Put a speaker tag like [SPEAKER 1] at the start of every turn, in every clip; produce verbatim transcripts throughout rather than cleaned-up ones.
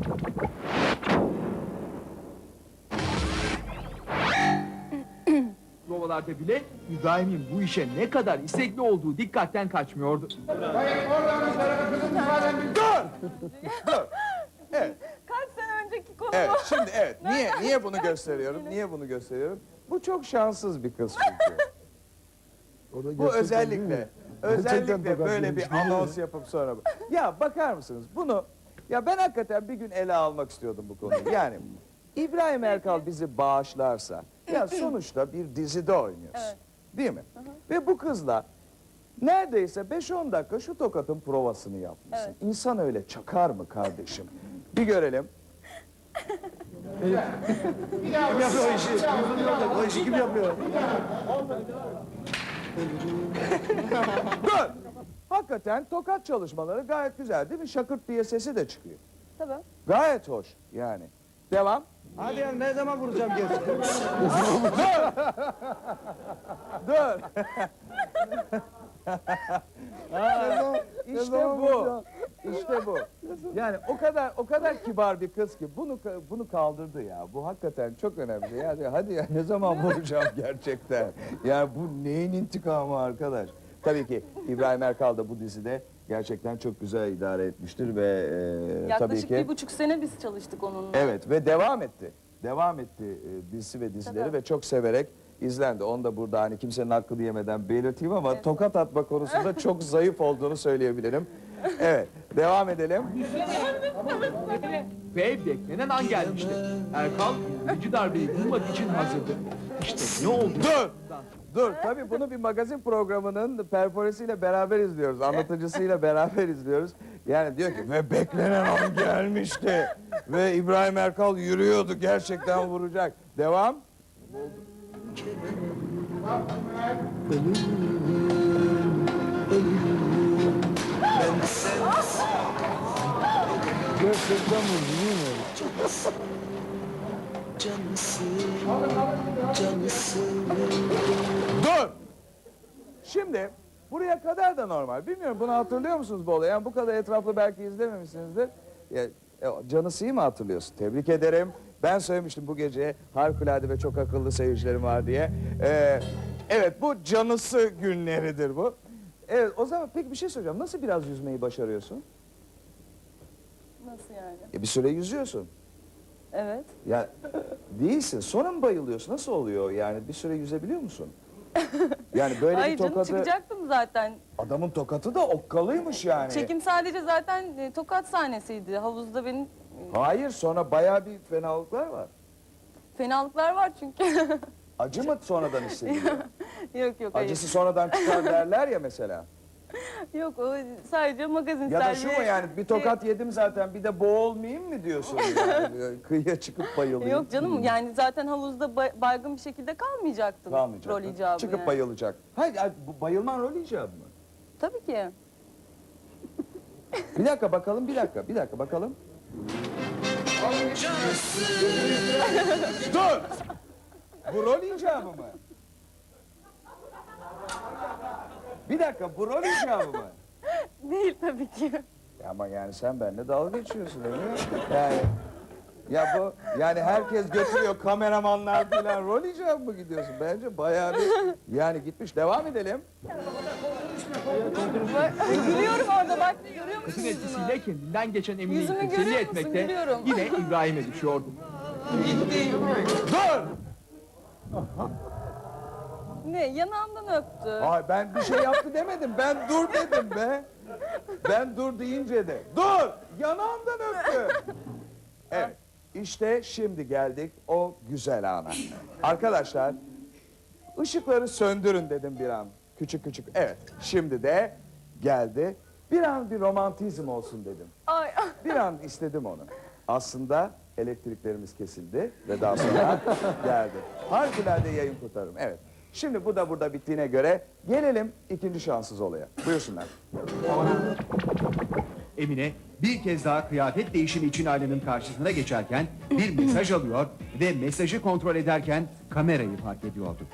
[SPEAKER 1] Provalarda bile İbrahim'in bu işe ne kadar istekli olduğu dikkatten kaçmıyordu.
[SPEAKER 2] Hayır, oradan bir tarafa kızım ifaden bir... Dur! Dur! Evet,
[SPEAKER 3] Kaç sene önceki konu
[SPEAKER 2] evet,
[SPEAKER 3] bu.
[SPEAKER 2] şimdi evet. Niye, niye bunu gösteriyorum? Niye bunu gösteriyorum? Bu çok şanssız bir kız çünkü. Bu özellikle, özellikle böyle bir anons yapıp sonra... bu- Ya bakar mısınız bunu... Ya ben hakikaten bir gün ele almak istiyordum bu konuyu. Yani İbrahim Erkal bizi bağışlarsa... Ya sonuçta bir dizide oynuyorsun.
[SPEAKER 3] Evet.
[SPEAKER 2] Değil mi? Ve bu kızla neredeyse beş on dakika şu tokatın provasını yapmışsın.
[SPEAKER 3] Evet.
[SPEAKER 2] İnsan öyle çakar mı kardeşim? Bir görelim.
[SPEAKER 4] Kim yapıyor o işi? O işi kim yapıyor?
[SPEAKER 2] Dur! Hakikaten tokat çalışmaları gayet güzel değil mi? Şakırt diye sesi de çıkıyor.
[SPEAKER 3] Tabii.
[SPEAKER 2] Gayet hoş yani. Devam.
[SPEAKER 4] Hadi ya ne zaman vuracağım geri?
[SPEAKER 2] Dur! Ha, işte bu. İşte bu. Yani o kadar o kadar kibar bir kız ki bunu bunu kaldırdı ya. Bu hakikaten çok önemli. Yani hadi ya ne zaman vuracağım gerçekten? Yani bu neyin intikamı arkadaş? Tabii ki İbrahim Erkal da bu dizide gerçekten çok güzel idare etmiştir ve e, tabii
[SPEAKER 3] Yaklaşık
[SPEAKER 2] ki
[SPEAKER 3] bir buçuk sene biz çalıştık onunla.
[SPEAKER 2] evet ve devam etti. Devam etti e, dizisi ve dizileri
[SPEAKER 3] Tabii.
[SPEAKER 2] ve çok severek izlendi. Onu da burada hani kimsenin hakkını yemeden belirteyim ama
[SPEAKER 3] Evet.
[SPEAKER 2] tokat atma konusunda çok zayıf olduğunu söyleyebilirim. Evet, devam edelim.
[SPEAKER 1] Ve beklenen an gelmişti. Erkal ikinci darbeyi vurmak için hazırdı. İşte ne oldu?
[SPEAKER 2] Dur! Dur, tabii bunu bir magazin programının perforesiyle beraber izliyoruz. Anlatıcısıyla beraber izliyoruz. Yani diyor ki ve beklenen an gelmişti. Ve İbrahim Erkal yürüyordu, gerçekten vuracak. Devam.
[SPEAKER 4] Gerçekten vurdu değil mi?
[SPEAKER 2] Dur! Şimdi buraya kadar da normal. Bilmiyorum bunu hatırlıyor musunuz bu olayı? Yani bu kadar etraflı belki izlememişsinizdir. Ya, e, Canısı'yı mı hatırlıyorsun? Tebrik ederim. Ben söylemiştim bu gece harikulade ve çok akıllı seyircilerim var diye. Ee, evet bu Canısı günleridir bu. Evet o zaman peki bir şey soracağım. Nasıl biraz yüzmeyi başarıyorsun?
[SPEAKER 3] Nasıl yani?
[SPEAKER 2] E, bir süre yüzüyorsun.
[SPEAKER 3] Evet.
[SPEAKER 2] Ya değilsin. Sonra mı bayılıyorsun? Nasıl oluyor yani? Bir süre yüzebiliyor musun? Yani böyle
[SPEAKER 3] Ay
[SPEAKER 2] bir
[SPEAKER 3] canım
[SPEAKER 2] tokadı...
[SPEAKER 3] çıkacaktım zaten.
[SPEAKER 2] Adamın tokatı da okkalıymış yani.
[SPEAKER 3] Çekim sadece zaten e, tokat sahnesiydi. Havuzda benim e,
[SPEAKER 2] Hayır sonra bayağı bir fenalıklar var.
[SPEAKER 3] fenalıklar var çünkü.
[SPEAKER 2] Acı mı sonradan hissediliyor?
[SPEAKER 3] Yok yok hayır.
[SPEAKER 2] Acısı sonradan çıkar derler ya mesela.
[SPEAKER 3] Yok o sadece magazin
[SPEAKER 2] Ya da
[SPEAKER 3] servi.
[SPEAKER 2] şu mu yani bir tokat yedim zaten bir de boğulmayayım mı diyorsun yani? Kıyıya çıkıp bayılayım.
[SPEAKER 3] Yok canım yani zaten havuzda bay- baygın bir şekilde kalmayacaktım.
[SPEAKER 2] Kalmayacak.
[SPEAKER 3] Rol icabı
[SPEAKER 2] Çıkıp
[SPEAKER 3] yani.
[SPEAKER 2] bayılacak. Hayır yani bu bayılman rol icabı mı?
[SPEAKER 3] Tabii ki.
[SPEAKER 2] Bir dakika bakalım bir dakika bir dakika bakalım. Dur! Bu rol icabı mı? Bir dakika bu rol icabı mı?
[SPEAKER 3] Değil tabii ki.
[SPEAKER 2] Ya ama yani sen benimle dalga geçiyorsun öyle mi? Yani ya bu yani herkes götürüyor kameramanlar falan rol icabı mı gidiyorsun? Bence bayağı bir yani gitmiş. Devam edelim.
[SPEAKER 3] Bak, gülüyorum orada bak görüyor
[SPEAKER 1] Kızın
[SPEAKER 3] musun yüzümü?
[SPEAKER 1] etkisiyle kendinden geçen Emine'yi
[SPEAKER 3] Yüzümü
[SPEAKER 1] teselli
[SPEAKER 3] görüyor musun?
[SPEAKER 1] etmekte
[SPEAKER 3] Gülüyorum.
[SPEAKER 1] yine İbrahim'e düşüyordu.
[SPEAKER 2] Dur!
[SPEAKER 3] Ne yanağımdan öptü.
[SPEAKER 2] Ay ben bir şey yaptı demedim. Ben dur dedim be. Ben dur deyince de. Dur! Yanağımdan öptü. Evet. İşte şimdi geldik o güzel ana. Arkadaşlar ışıkları söndürün dedim bir an. Küçük küçük. Evet. Şimdi de geldi. Bir an bir romantizm olsun dedim.
[SPEAKER 3] Ay
[SPEAKER 2] Bir an istedim onu. Aslında elektriklerimiz kesildi ve daha sonra geldi. Harikulade yayın kurtarırım. Evet. Şimdi bu da burada bittiğine göre gelelim ikinci şanssız olaya. Buyursunlar.
[SPEAKER 1] Emine bir kez daha kıyafet değişimi için aynanın karşısına geçerken bir mesaj alıyor ve mesajı kontrol ederken kamerayı fark ediyordu.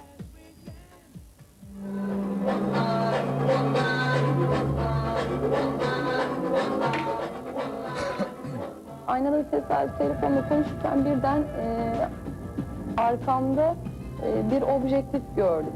[SPEAKER 5] aynada tesadüf telefonla konuşurken birden e, arkamda e, bir objektif gördüm.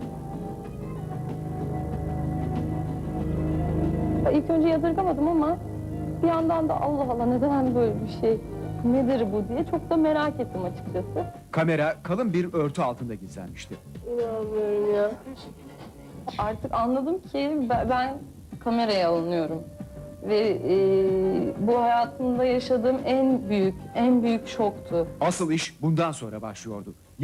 [SPEAKER 5] İlk önce yadırgamadım ama bir yandan da Allah Allah neden böyle bir şey, nedir bu diye çok da merak ettim açıkçası.
[SPEAKER 1] Kamera kalın bir örtü altında gizlenmişti.
[SPEAKER 5] İnanmıyorum ya. Artık anladım ki ben, ben kameraya alınıyorum. Ve e, bu hayatımda yaşadığım en büyük, en büyük şoktu.
[SPEAKER 1] Asıl iş bundan sonra başlıyordu.